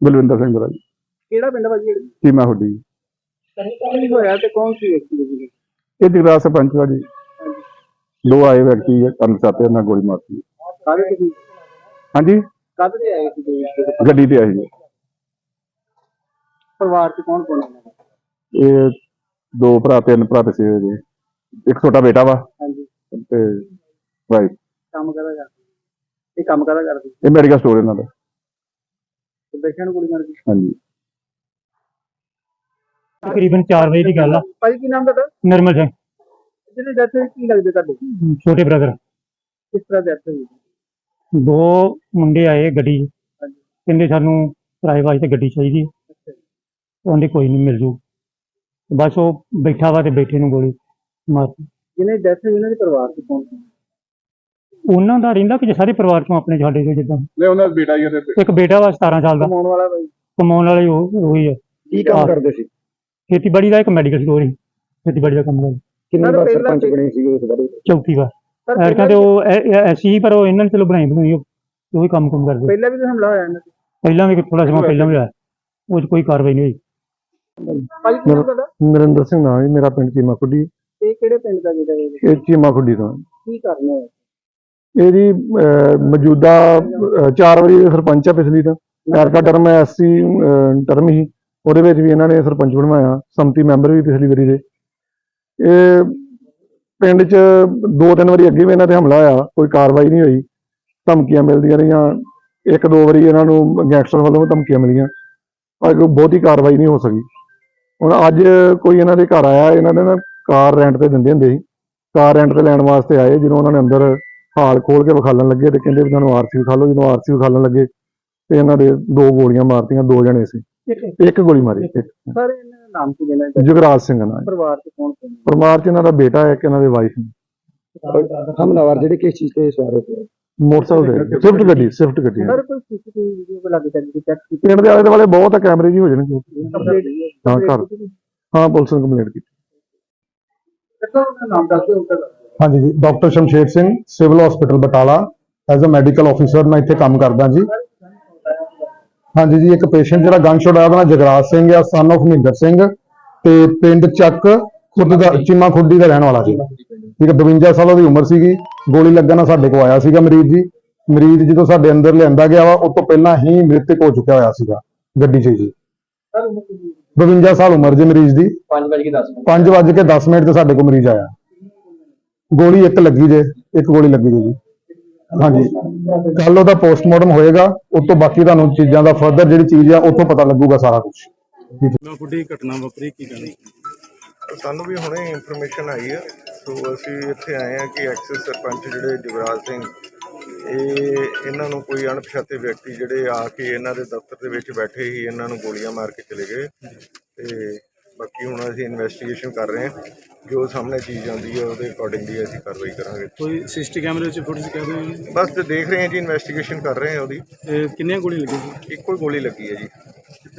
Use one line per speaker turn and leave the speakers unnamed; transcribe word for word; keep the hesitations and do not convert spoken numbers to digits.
ਬਲਵਿੰਦਰ ਸਿੰਘ ਦਾ ਜੀ।
ਕਿਹੜਾ ਪਿੰਡ ਵਾ ਜੀ?
ਚੀਮਾ ਹੁੱਡੀ।
ਕੀ ਹੋਇਆ ਤੇ ਕੌਣ ਸੀ ਵਿਅਕਤੀ ਜੀ?
ਇਹ ਜਗਰਾਜ ਸਰਪੰਚ ਦਾ ਜੀ। ਦੋ ਆਏ ਵਿਅਕਤੀ ਅਣਪਛਾਤੇ ਨਾਲ ਗੋਲੀ ਮਾਰਤੀ।
ਕਾਹਦੇ ਤੇ?
ਹਾਂਜੀ,
ਕਾਹਦੇ ਤੇ ਆਏ ਸੀ?
ਗੱਡੀ ਤੇ ਆਏ ਜੀ।
ਪਰਿਵਾਰ ਚ ਕੌਣ ਕੌਣ ਹੈ?
ਇਹ ਦੋ ਭਰਾ, ਤਿੰਨ ਭਰਾ ਤੇ ਛੇ ਜੀ। ਇੱਕ ਛੋਟਾ ਬੇਟਾ ਵਾ
ਹਾਂਜੀ
ਤੇ ਵਾਈਫ।
ਕੰਮ ਕਰਦਾ ਕਰਦੇ? ਇਹ ਕੰਮ ਕਰਦਾ ਕਰਦੇ?
ਇਹ ਮੈਡੀਕਲ ਸਟੋਰ ਇਹਨਾਂ ਦਾ।
ਤੇ ਬੈਠਿਆਂ ਨੂੰ ਗੋਲੀ ਮਾਰ ਗਈ?
ਹਾਂਜੀ।
ਤਕਰੀਬਨ ਚਾਰ ਵਜੇ ਦੀ ਗੱਲ ਆ।
ਭਾਈ ਕੀ ਨਾਮ ਤੁਹਾਡਾ?
ਨਿਰਮਲ ਸਿੰਘ।
ਜਿਹਨੇ ਡੈਥ ਹੋਈ ਕੀ ਲੱਗਦੇ ਤੁਹਾਡੇ?
ਛੋਟੇ ਬ੍ਰਦਰ।
ਕਿਸ ਤਰ੍ਹਾਂ ਡੈਥ ਹੋਈ?
ਦੋ ਮੁੰਡੇ ਆਏ ਗੱਡੀ 'ਚ,
ਹਾਂਜੀ
ਕਹਿੰਦੇ ਸਾਨੂੰ ਕਿਰਾਏ ਵਾਸਤੇ ਗੱਡੀ ਚਾਹੀਦੀ ਹੈ।
ਅੱਛਾ ਜੀ।
ਉਹਨੇ ਕੋਈ ਨਹੀਂ ਮਿਲ ਜੂ। ਬਸ ਉਹ ਬੈਠਾ ਵਾ ਤੇ ਬੈਠੇ ਨੂੰ ਗੋਲੀ ਮਾਰਤੀ।
ਜਿਹਨੇ ਡੈਥ ਹੋਈ ਉਹਨਾਂ ਦੇ ਪਰਿਵਾਰ ਚ ਕੌਣ ਸੀ?
ਉਹਨਾਂ ਦਾ ਰਹਿੰਦਾ ਕਿ ਸਾਰੇ ਪਰਿਵਾਰ ਚੋਂ ਆਪਣੇ ਸਾਡੇ ਤੋਂ ਜਿੱਦਾਂ
ਨਹੀਂ, ਉਹਨਾਂ ਦਾ ਬੇਟਾ ਹੀ ਹੈ।
ਇੱਕ ਬੇਟਾ ਵਾ ਸਤਾਰਾਂ ਸਾਲ ਦਾ।
ਕਮਾਉਣ ਵਾਲਾ ਭਾਈ?
ਕਮਾਉਣ ਵਾਲੇ ਉਹ ਉਹੀ ਹੈ।
ਕੀ ਕੰਮ ਕਰਦੇ ਸੀ?
ਖੇਤੀਬਾੜੀ ਦਾ ਇੱਕ ਮੈਡੀਕਲ ਸਟੋਰ ਹੀ ਖੇਤੀਬਾੜੀ ਦਾ ਕੰਮ ਕਰਦਾ।
ਕਿੰਨੇ ਵਾਰ ਸਰਪੰਚ ਬਣੇ ਸੀ ਉਸ ਬਾਰੇ?
ਚੌਥੀ ਵਾਰ। ਐਰਕਾ ਤੇ ਉਹ ਐਸੀ ਪਰ ਉਹ ਇਹਨਾਂ ਨੇ ਚਲੋ ਬਣਾਈ ਬਣਾਈ ਉਹੀ ਕੰਮ ਕੰਮ ਕਰਦੇ।
ਪਹਿਲਾਂ ਵੀ ਹਮਲਾ ਹੋਇਆ ਇਹਨਾਂ ਤੇ?
ਪਹਿਲਾਂ ਵੀ ਥੋੜਾ ਸਮਾਂ ਪਹਿਲਾਂ ਵੀ ਹੋਇਆ, ਉਹ 'ਚ ਕੋਈ ਕਾਰਵਾਈ ਨਹੀਂ ਹੋਈ।
ਭਾਈ ਕੀ ਨਾਮ ਤੁਹਾਡਾ?
ਨਰਿੰਦਰ ਸਿੰਘ ਨਾਮ ਹੈ। ਮੇਰਾ ਪਿੰਡ ਚੀਮਾ ਖੁੱਡੀ।
ਇਹ ਕਿਹੜੇ ਪਿੰਡ ਦਾ ਜਿਹੜਾ ਇਹ?
ਇਹ ਚੀਮਾ ਖੁੱਡੀ ਤੋਂ।
ਕੀ ਕਰਨਾ ਹੈ?
ਇਹਦੀ ਮੌਜੂਦਾ ਅਹ, ਚਾਰ ਵਾਰੀ ਸਰਪੰਚ ਆ ਪਿਛਲੀ ਤਾਂ। ਐਰਕਾ ਟਰਮ ਐਸਸੀ ਟਰਮ ਹੀ, ਉਹਦੇ ਵਿੱਚ ਵੀ ਇਹਨਾਂ ਨੇ ਸਰਪੰਚ ਬਣਵਾਇਆ। ਸੰਮਤੀ ਮੈਂਬਰ ਵੀ ਪਿਛਲੀ ਵਾਰੀ ਦੇ। ਇਹ ਪਿੰਡ 'ਚ ਦੋ ਤਿੰਨ ਵਾਰੀ ਅੱਗੇ ਵੀ ਇਹਨਾਂ ਤੇ ਹਮਲਾ ਹੋਇਆ, ਕੋਈ ਕਾਰਵਾਈ ਨਹੀਂ ਹੋਈ। ਧਮਕੀਆਂ ਮਿਲਦੀਆਂ ਰਹੀਆਂ। ਇੱਕ ਦੋ ਵਾਰੀ ਇਹਨਾਂ ਨੂੰ ਗੈਂਗਸਟਰ ਵੱਲੋਂ ਧਮਕੀਆਂ ਮਿਲੀਆਂ, ਪਰ ਕੋਈ ਬਹੁਤੀ ਕਾਰਵਾਈ ਨਹੀਂ ਹੋ ਸਕੀ। ਹੁਣ ਅੱਜ ਕੋਈ ਇਹਨਾਂ ਦੇ ਘਰ ਆਇਆ। ਇਹਨਾਂ ਦੇ ਨਾ ਕਾਰ ਰੈਂਟ ਤੇ ਦਿੰਦੇ ਹੁੰਦੇ ਸੀ। ਕਾਰ ਰੈਂਟ ਤੇ ਲੈਣ ਵਾਸਤੇ ਆਏ। ਜਦੋਂ ਉਹਨਾਂ ਨੇ ਅੰਦਰ ਹਾਲ ਖੋਲ ਕੇ ਵਿਖਾਲਣ ਲੱਗੇ ਤੇ ਕਹਿੰਦੇ ਵੀ ਤੁਹਾਨੂੰ ਆਰਸੀ ਵਿਖਾ ਲਓ। ਜਦੋਂ ਆਰਸੀ ਵਿਖਾਲਣ ਲੱਗੇ ਤੇ ਇਹਨਾਂ ਦੇ ਦੋ ਗੋਲੀਆਂ ਮਾਰਤੀਆਂ। ਦੋ ਜਣੇ ਸੀ, ਇੱਕ ਗੋਲੀ ਮਾਰੀ। ਇੱਕ
ਸਰ ਇਹਨਾਂ ਦਾ ਨਾਮ ਕੀ ਲੈਣਾ?
ਜੁਗਰਾਜ ਸਿੰਘ ਨਾਲ।
ਪਰਿਵਾਰ ਚ ਕੌਣ ਕੌਣ?
ਪਰਿਵਾਰ 'ਚ ਇਹਨਾਂ ਦਾ ਬੇਟਾ ਹੈ, ਇੱਕ ਇਹਨਾਂ ਦੇ ਵਾਈਫ।
ਹਮਲਾਵਰ ਜਿਹੜੇ ਕਿਸ ਚੀਜ਼ ਤੇ ਸਵਾਰ ਹੋਏ?
ਮੋਟਰਸਾਈਕਲ ਤੇ ਸਵਿਫਟ ਗੱਡੀ ਸਵਿਫਟ ਗੱਡੀ ਹੈ।
ਸਰ ਕੋਈ ਸੀਸੀਟੀਵੀ ਵੀਡੀਓ ਕੋ ਲੱਗ ਸਕਦੀ ਚੈੱਕ ਕੀਤੀ?
ਪਿੰਡ ਦੇ ਆਲੇ ਦੁਆਲੇ ਬਹੁਤ ਆ, ਕੈਮਰੇ ਜੀ ਹੋ ਜਾਣਗੇ।
ਕੰਪਲੀਟ
ਹਾਂ ਘਰ ਹਾਂ ਪੁਲਿਸ ਨੇ ਕੰਪਲੇਂਟ ਕੀਤੀ।
ਨਾਮ ਦੱਸ ਦਿਓ ਉਨ੍ਹਾਂ ਦਾ।
ਹਾਂਜੀ ਜੀ, doctor Shamsher Singh, civil hospital Batala, as a medical officer ਮੈਂ ਇੱਥੇ ਕੰਮ ਕਰਦਾ ਜੀ। ਹਾਂਜੀ ਜੀ, ਇੱਕ ਪੇਸ਼ੈਂਟ ਜਿਹੜਾ ਗਨ ਸ਼ਾਟ ਆਇਆ ਉਹਦਾ ਨਾਮ ਜਗਰਾਜ ਸਿੰਘ ਆ, ਸਨ ਆਫ ਮਹਿੰਦਰ ਸਿੰਘ, ਤੇ ਪਿੰਡ ਚੱਕ ਖੁਦ ਦਾ ਚੀਮਾ ਖੁੱਡੀ ਦਾ ਰਹਿਣ ਵਾਲਾ ਸੀ। ਠੀਕ ਹੈ, ਬਵੰਜਾ ਸਾਲ ਉਹਦੀ ਉਮਰ ਸੀਗੀ। ਗੋਲੀ ਲੱਗਣ ਨਾਲ ਸਾਡੇ ਕੋਲ ਆਇਆ ਸੀਗਾ ਮਰੀਜ਼ ਜੀ। ਮਰੀਜ਼ ਜਦੋਂ ਸਾਡੇ ਅੰਦਰ ਲਿਆਂਦਾ ਗਿਆ ਵਾ, ਉਹ ਤੋਂ ਪਹਿਲਾਂ ਹੀ ਮ੍ਰਿਤਕ ਹੋ ਚੁੱਕਿਆ ਹੋਇਆ ਸੀਗਾ ਗੱਡੀ 'ਚ ਜੀ। ਬਵੰਜਾ ਸਾਲ ਉਮਰ ਜੀ ਮਰੀਜ਼ ਦੀ। ਪੰਜ ਵੱਜ ਕੇ ਦਸ ਮਿੰਟ ਤੇ ਸਾਡੇ ਕੋਲ ਮਰੀਜ਼ ਆਇਆ। ਗੋਲੀ ਇੱਕ ਲੱਗੀ ਜੇ, ਇੱਕ ਗੋਲੀ ਲੱਗੀ ਜੀ। ਹਾਂਜੀ, ਕੱਲ ਉਹਦਾ ਪੋਸਟਮਾਰਟਮ ਹੋਏਗਾ। ਉਸ ਤੋਂ ਬਾਕੀ ਤੁਹਾਨੂੰ ਚੀਜ਼ਾਂ ਦਾ ਫਰਦਰ ਜਿਹੜੀ ਚੀਜ਼ ਆ ਉੱਥੋਂ ਪਤਾ ਲੱਗੂਗਾ ਸਾਰਾ ਕੁਝ।
ਖੁੱਡੀ ਘਟਨਾ ਵਾਪਰੀ ਕੀ ਕਹਿਣਾ?
ਸਾਨੂੰ ਵੀ ਹੁਣੇ ਇਨਫੋਰਮੇਸ਼ਨ ਆਈ ਹੈ, ਸੋ ਅਸੀਂ ਇੱਥੇ ਆਏ ਹਾਂ ਕਿ ਐਕਸਿਸ ਸਰਪੰਚ ਜਿਹੜੇ ਜੁਗਰਾਜ ਸਿੰਘ, ਇਹ ਇਹਨਾਂ ਨੂੰ ਕੋਈ ਅਣਪਛਾਤੇ ਵਿਅਕਤੀ ਜਿਹੜੇ ਆ ਕੇ ਇਹਨਾਂ ਦੇ ਦਫ਼ਤਰ ਦੇ ਵਿੱਚ ਬੈਠੇ ਹੀ ਇਹਨਾਂ ਨੂੰ ਗੋਲੀਆਂ ਮਾਰ ਕੇ ਚਲੇ ਗਏ। ਤੇ ਬਾਕੀ ਹੁਣ ਅਸੀਂ ਇਨਵੈਸਟੀਗੇਸ਼ਨ ਕਰ ਰਹੇ ਹਾਂ। ਜੋ ਸਾਹਮਣੇ ਚੀਜ਼ ਆਉਂਦੀ ਹੈ ਉਹਦੇ ਅਕੋਰਡਿੰਗਲੀ ਅਸੀਂ ਕਾਰਵਾਈ ਕਰਾਂਗੇ।
ਕੋਈ ਸਿਸਟੀ ਕੈਮਰੇ ਵਿੱਚ ਫੁਟੇਜ ਕਹਿ ਦਿਓ?
ਬਸ ਤੇ ਦੇਖ ਰਹੇ ਹਾਂ ਜੀ, ਇਨਵੈਸਟੀਗੇਸ਼ਨ ਕਰ ਰਹੇ ਹਾਂ ਉਹਦੀ।
ਕਿੰਨੀਆਂ ਗੋਲੀਆਂ ਲੱਗੀਆਂ ਸੀ?
ਇੱਕੋ ਹੀ ਗੋਲੀ ਲੱਗੀ ਹੈ ਜੀ।